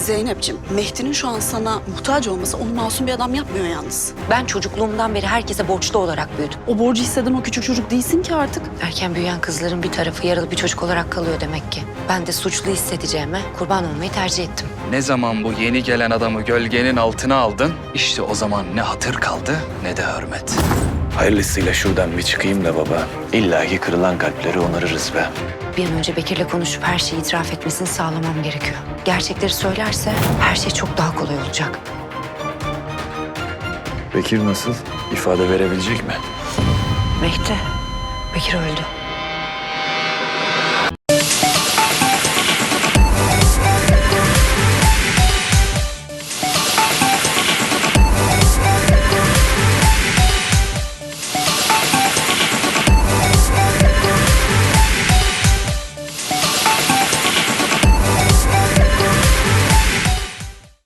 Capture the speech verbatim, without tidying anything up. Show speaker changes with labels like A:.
A: Zeynep'ciğim, Mehdi'nin şu an sana muhtaç olması onu masum bir adam yapmıyor yalnız.
B: Ben çocukluğumdan beri herkese borçlu olarak büyüdüm.
A: O borcu hisseden o küçük çocuk değilsin ki artık.
B: Erken büyüyen kızların bir tarafı yaralı bir çocuk olarak kalıyor demek ki. Ben de suçlu hissedeceğime kurban olmayı tercih ettim.
C: Ne zaman bu yeni gelen adamı gölgenin altına aldın, işte o zaman ne hatır kaldı ne de hürmet.
D: Hayırlısıyla şuradan bir çıkayım da baba. İlla ki kırılan kalpleri onarırız be.
B: Bir an önce Bekir'le konuşup her şeyi itiraf etmesini sağlamam gerekiyor. Gerçekleri söylerse her şey çok daha kolay olacak.
D: Bekir nasıl? İfade verebilecek mi?
B: Mehdi, Bekir öldü.